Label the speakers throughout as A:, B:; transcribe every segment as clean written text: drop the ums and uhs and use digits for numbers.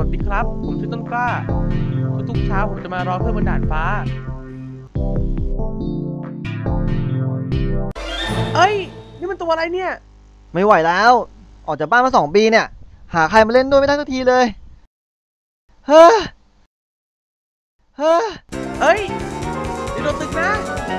A: สดีครับผมชื่อต้นกล้าทุกเช้าผมจะมารอเพื่อนบนด่านฟ้าเอ้ยนี่มันตัวอะไรเนี่ย
B: ไม่ไหวแล้วออกจากบ้านมา2 ปีเนี่ยหาใครมาเล่นด้วยไม่ได้สักทีเลยเฮ้อเฮ้อ
A: เอ้ยเดี๋ยวโดนตึกนะ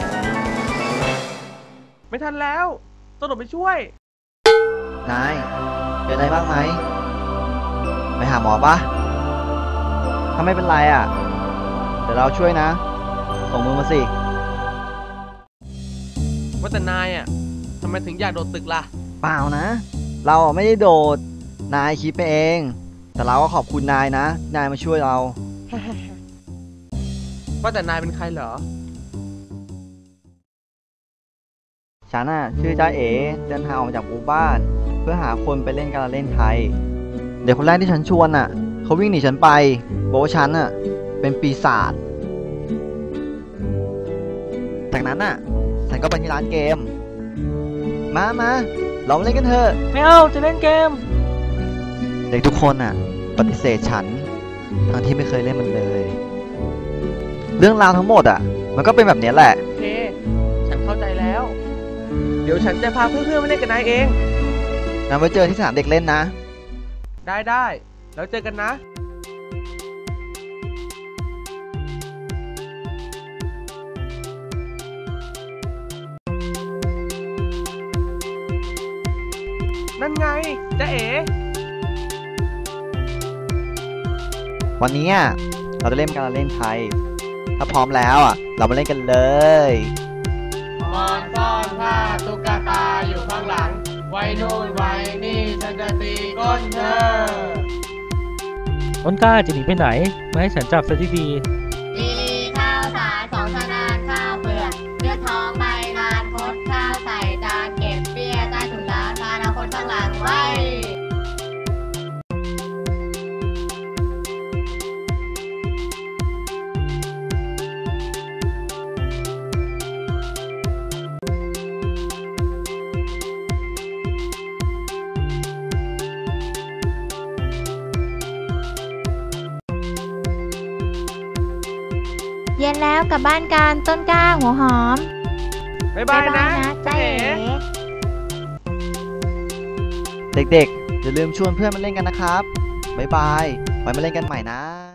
A: ไม่ทันแล้วต้องโดดไปช่วย
B: นายเป็นอะไรบ้างไหมไปหาหมอปะถ้าไม่เป็นไรอ่ะเดี๋ยวเราช่วยนะส่งมือมาสิ
A: ว่าแต่นายอ่ะทำไมถึงอยากโดดตึกล่ะ
B: เปล่านะเราไม่ได้โดดนายคิดไปเองแต่เราก็ขอบคุณนายนะนายมาช่วยเรา
A: ว่าแต่นายเป็นใครเหรอ
B: ฉันน่ะชื่อจ้าเอ๋เดินทางออกมาจากหมู่บ้านเพื่อหาคนไปเล่นการเล่นไทยเด็กคนแรกที่ฉันชวนน่ะเขาวิ่งหนีฉันไปบอกว่าฉันน่ะเป็นปีศาจจากนั้นน่ะฉันก็ไปที่ร้านเกมมาเรามาเล่นกันเถอะ
C: ไม่เอาจะเล่นเกม
B: เด็กทุกคนน่ะปฏิเสธฉันทั้งที่ไม่เคยเล่นมันเลยเรื่องราวทั้งหมดอ่ะมันก็เป็นแบบนี้แหละ
A: โอเคฉันเข้าใจแล้วเดี๋ยวฉันจะพาเพื่อนๆมาเล่นกับนายเอง
B: งั้นไว้เจอที่สนามเด็กเล่นนะ
A: ได้แล้วเจอกันนะนั่นไงจ๊ะเอ๋
B: วันนี้เราจะเล่นการเล่นไทยถ้าพร้อมแล้วเรามาเล่นกันเลย
D: มอนซ่อนผ้าตุ๊กตาอยู่ข้างหลังไว้นู่นไว้นี่ฉันจะตีก้นเธอ
C: ต้นกล้าจะหนีไปไหนมาให้ฉันจับซะดี
D: ดีข้าวสารสองชนานข้าวเปลือกเลือดท้องใบนานคดข้าวใส่จานเก็บเบี้ยใต้ถุนร้านพานาคนข้างหลังไว้
E: เย็นแล้วกลับบ้านกันต้นกล้าหัวหอม
A: บ๊ายบายนะ
E: จ๊ะเอ๋
B: เด็กๆอย่าลืมชวนเพื่อนมาเล่นกันนะครับบ๊ายบายไว้มาเล่นกันใหม่นะ